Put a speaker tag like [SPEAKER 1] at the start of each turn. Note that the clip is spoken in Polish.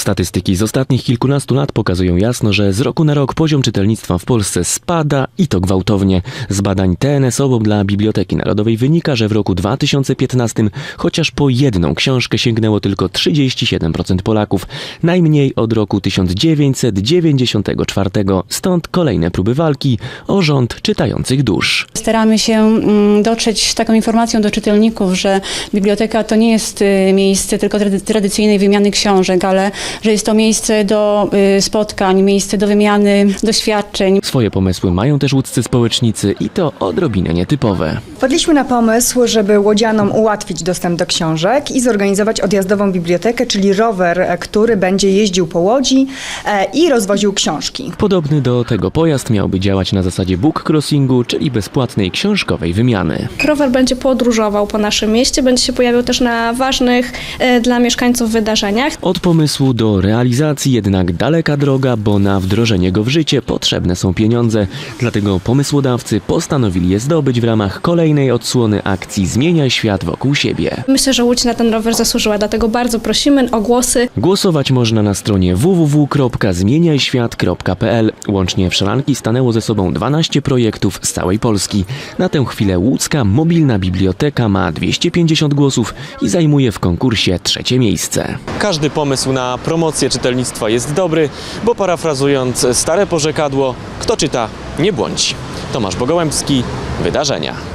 [SPEAKER 1] Statystyki z ostatnich kilkunastu lat pokazują jasno, że z roku na rok poziom czytelnictwa w Polsce spada i to gwałtownie. Z badań TNS Obok dla Biblioteki Narodowej wynika, że w roku 2015 chociaż po jedną książkę sięgnęło tylko 37% Polaków. Najmniej od roku 1994. Stąd kolejne próby walki o rząd czytających dusz.
[SPEAKER 2] Staramy się dotrzeć z taką informacją do czytelników, że biblioteka to nie jest miejsce tylko tradycyjnej wymiany książek, ale że jest to miejsce do spotkań, miejsce do wymiany doświadczeń.
[SPEAKER 1] Swoje pomysły mają też łódzcy społecznicy i to odrobinę nietypowe.
[SPEAKER 3] Wpadliśmy na pomysł, żeby łodzianom ułatwić dostęp do książek i zorganizować odjazdową bibliotekę, czyli rower, który będzie jeździł po Łodzi i rozwoził książki.
[SPEAKER 1] Podobny do tego pojazd miałby działać na zasadzie book crossingu, czyli bezpłatnej książkowej wymiany.
[SPEAKER 4] Rower będzie podróżował po naszym mieście, będzie się pojawiał też na ważnych dla mieszkańców wydarzeniach.
[SPEAKER 1] Od pomysłu do realizacji jednak daleka droga, bo na wdrożenie go w życie potrzebne są pieniądze. Dlatego pomysłodawcy postanowili je zdobyć w ramach kolejnej odsłony akcji Zmieniaj świat wokół siebie.
[SPEAKER 4] Myślę, że Łódź na ten rower zasłużyła, dlatego bardzo prosimy o głosy.
[SPEAKER 1] Głosować można na stronie www.zmieniajświat.pl. Łącznie w szranki stanęło ze sobą 12 projektów z całej Polski. Na tę chwilę łódzka mobilna biblioteka ma 250 głosów i zajmuje w konkursie 3. miejsce. Każdy pomysł na promocję czytelnictwa jest dobry, bo parafrazując stare porzekadło, kto czyta, nie błądzi. Tomasz Bogołębski, Wydarzenia.